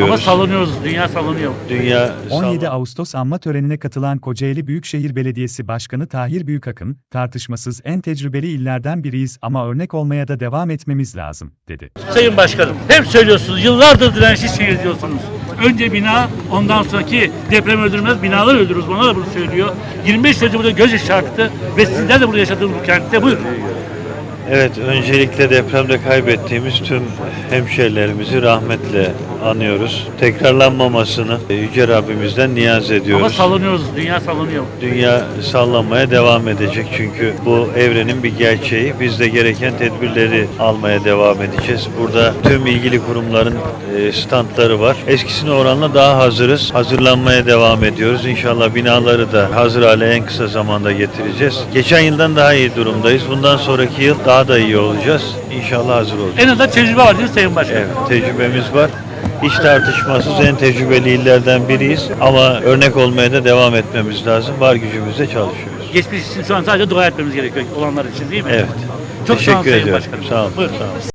Ama sallanıyoruz, dünya sallanıyor. Dünya 17 Ağustos anma törenine katılan Kocaeli Büyükşehir Belediyesi Başkanı Tahir Büyükakın, tartışmasız en tecrübeli illerden biriyiz ama örnek olmaya da devam etmemiz lazım, dedi. Sayın Başkanım, hep söylüyorsunuz, yıllardır dirençli şehir diyorsunuz. Önce bina, ondan sonraki deprem öldürmez, binalar öldürürüz. Bana da bunu söylüyor. 25 yıldır burada göz yaşarttı ve sizler de burada yaşadığınız bu kentte. Buyurun. Evet, öncelikle depremde kaybettiğimiz tüm hemşehrilerimizi rahmetle anıyoruz. Tekrarlanmamasını Yüce Rabbimizden niyaz ediyoruz. Ama sallanıyoruz, dünya sallanıyor. Dünya sallanmaya devam edecek çünkü bu evrenin bir gerçeği. Biz de gereken tedbirleri almaya devam edeceğiz. Burada tüm ilgili kurumların standları var. Eskisine oranla daha hazırız. Hazırlanmaya devam ediyoruz. İnşallah binaları da hazır hale en kısa zamanda getireceğiz. Geçen yıldan daha iyi durumdayız. Bundan sonraki yıl daha da iyi olacağız. İnşallah hazır olacağız. En azından tecrübe var değil mi Sayın Başkanım? Evet, tecrübemiz var. Hiç tartışmasız en tecrübeli illerden biriyiz. Ama örnek olmaya da devam etmemiz lazım. Var gücümüzle çalışıyoruz. Geçmiş için şu an sadece dua etmemiz gerekiyor olanlar için değil mi? Evet. Çok sağ olun Teşekkür Sayın ediyorum. Başkanım. Sağ olun. Buyurun. Sağ olun.